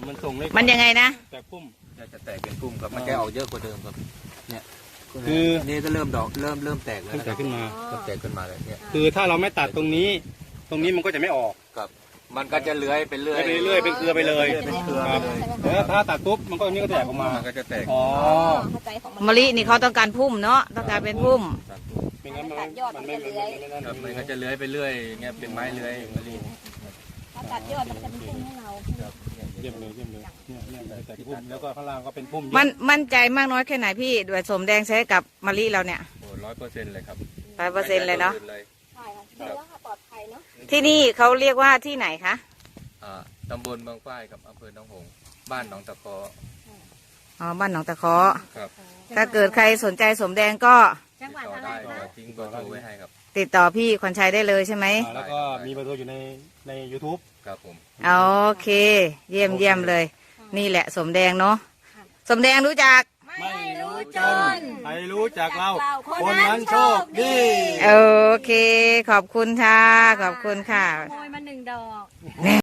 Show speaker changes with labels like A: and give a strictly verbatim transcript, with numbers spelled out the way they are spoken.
A: มันส่งเลย
B: มันยังไงนะ
A: แตกพุ่ม
C: จะแตกเป็นพุ่มครับมันจะออกเยอะกว่าเดิมครับเนี่ย
A: คือ
C: นี่ก็เริ่มดอกเริ่มเริ่มแตกแล้ว
A: แตกขึ้นมา
C: เริ่มแตกขึ้นมาเลยเนี่ย
A: คือถ้าเราไม่ตัดตรงนี้ตรงนี้มันก็จะไม่ออก
C: ครับมันก็จะเลื้อยไปเรื่อย
A: ไปเรื่อยเป็นเครือไปเลย
C: เป็นเครือไปเลย
A: แล้วถ้าตัดปุ๊บมันก็นี่ก็แตกออกมา
C: มันก็จะแตก
A: อ๋อ
B: มะลินี่เขาต้องการพุ่มเนาะต้องการเป็นพุ่ม
A: ไม่งั้นมันมันไม่เลื้อย
C: มันก็จะเลื้อยไปเรื่อยเงี้ยเป็นไม้เลื้อยมะลิ
D: ถ้าตัดยอดมันจะเป็นพุ่มให้เรา
A: เยี่ยมเลยเยี่ยมเลยเนี่ยเนี่ยแต่พุ่มแล้วก็ข้างล่างก็เป็นพุ่ม
B: มันมั่นใจมากน้อยแค่ไหนพี่ด้วยสมแดงใช้กับมะลิเราเนี่ย
C: โอ้ร้อยเปอร์เซ็นต์เลยครับ
B: ร้อยเปอร์เซ็นต์เลยเนาะ
D: ใช่ค่ะดีแล้วค่ะปลอดภัยเนาะ
B: ที่นี่เขาเรียกว่าที่ไหนคะ
C: ตำบลบางฝ้ายกับอำเภอหนองหงส์บ้านหนองตะเคาะ
B: อ๋อบ้านหนองตะเคาะ
C: ครับ
B: ถ้าเกิดใครสนใจสมแดงก็
D: จังหวัดอะไรคะ
C: ทิ้งเบอร์โทรไว้ให้ครับ
B: ติดต่อพี่ขวัญชัยได้เลยใช่ไหม
A: แล้วก็มีเบอร์โทรอยู่ในใน ยูทูบ
C: ครับผม
B: โอเคเยี่ยมเยี่ยมเลยนี่แหละสมแดงเนาะสมแดงรู้จัก
D: ไม่รู้จน
A: ใครรู้จักเราคนนั้นโชคดี
B: โอเคขอบคุณค่ะขอบคุณค่ะ
D: ขโมยมาหนึ่งดอก